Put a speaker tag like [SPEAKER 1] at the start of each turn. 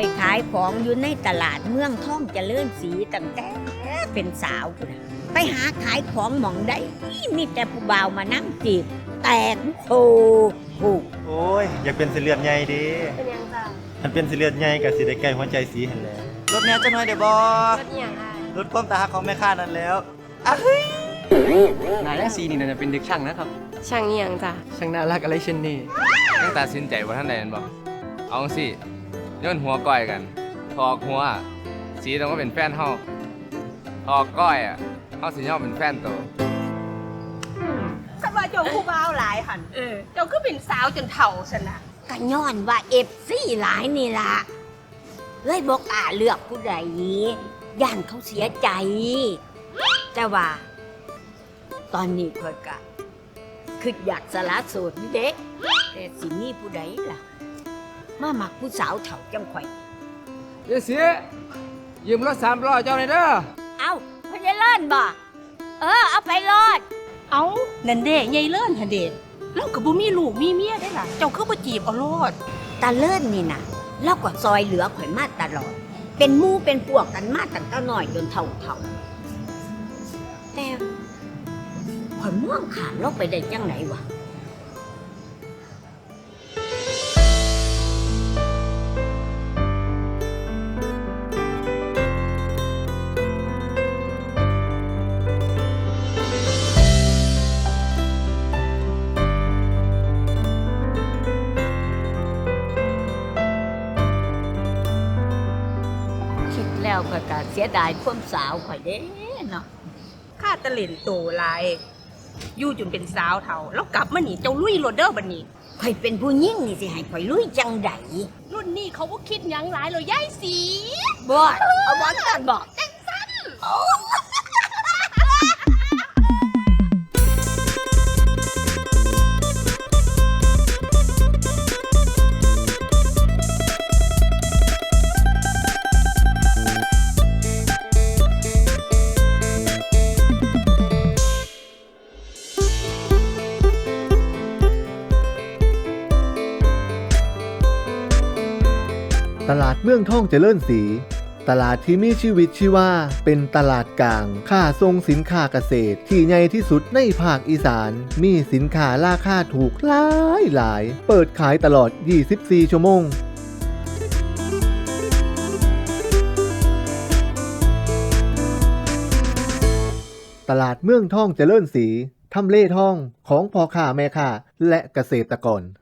[SPEAKER 1] อยขายของอยู่ในตลาดเมืองท่องเจริญศรีตั้งแต่เป็นสาวพุ่นน่ะไปหาขายของหม่องได้มีแต่ผู้บ่าวมานั่งจีบแตกโคผูก
[SPEAKER 2] โอ้ยอยากเป็นเสลือดใหญ่เดิ
[SPEAKER 3] เป็นยังจ้ะ
[SPEAKER 2] มันเป็นเสลือดใหญ่กับสิได้ใกล้หัวใจสีเห็นแล้วรถแนวจะน้อยเดี๋ยวบอ
[SPEAKER 3] รถเอียงอ่ะ
[SPEAKER 2] รถความตาหักของแม่ค้านั่นแล้ว
[SPEAKER 4] นายและซีนี่น่าจะเป็นเด็กช่างนะครับ
[SPEAKER 3] ช่างเอียงจ้ะ
[SPEAKER 4] ช่างน่ารักอะไรเช่นนี้
[SPEAKER 5] ตั้งแต่สินใจว่าท่านใดนั่นบอกเอาสิย้อนหัวก้อยกันทอกหัว สีต้องก็เป็นแฟนเฮาทอกก้อยอ่ะเฮาสิย่อมเป็นแฟนโต
[SPEAKER 6] คันว่าเจ้าผู้บ่าวหลายหันเจ้าก็เป็นสาวจนเฒ่าซะนะ
[SPEAKER 1] ก็ย้อนว่าซี่หลายนี่ล่ะเลยบอกเลือกผู้ใดย่านเขาเสียใจ แต่ว่า ตอนนี้ข่อยก็คืออยากสละโสดนี่เด็กแต่สิมีผู้ใดล่ะ มามักผู้สาวเฒ่าจังข่อย
[SPEAKER 4] เดี๋ยวเสียยืมรถ3 ล้อเจ้าหน่อยเด้อ
[SPEAKER 1] เอ้าพญาเลิศบ่เอาไปรอด
[SPEAKER 6] เอ้านั่นเด้ยายเลิ่นหั่นเด้เราก็บ่มีลูกมีเมียได้ล่ะ เจ้าคือบ่จีบเอาโลด
[SPEAKER 1] ตาเลิศนี่นะเราก็ซอยเหลือข่อยมาตลอด เป็นหมู่เป็นพวกกันมาตั้งแต่น้อยจนเฒ่าแต่ข่อยมองขาดเราไปได้จังไหนวะ คิดแล้วข่อยก็เสียดายความสาวข่อยเด้เนาะ
[SPEAKER 6] ข้าตะเล่นโตหลาย อยู่จนเป็นสาวเฒ่า แล้วกลับมานี่เจ้าลุยโลดเด้อบัดนี้
[SPEAKER 1] ข่อยเป็นผู้หญิงนี่สิให้ข่อยลุยจังใด
[SPEAKER 6] รุ่นนี้เขาบ่คิดหยังหลายเลยยายสี
[SPEAKER 1] บ่เอาบ่ตันบ่
[SPEAKER 7] ตลาดเมืองท่องเจริญศรีตลาดที่มีชีวิตชีวาเป็นตลาดกลางค้าส่งสินค้าเกษตรที่ใหญ่ที่สุดในภาคอีสานมีสินค้าราคาถูกหลายเปิดขายตลอด 24 ชั่วโมงตลาดเมืองท่องเจริญศรีทำเลทองของพ่อค้าแม่ค้าและเกษตรกร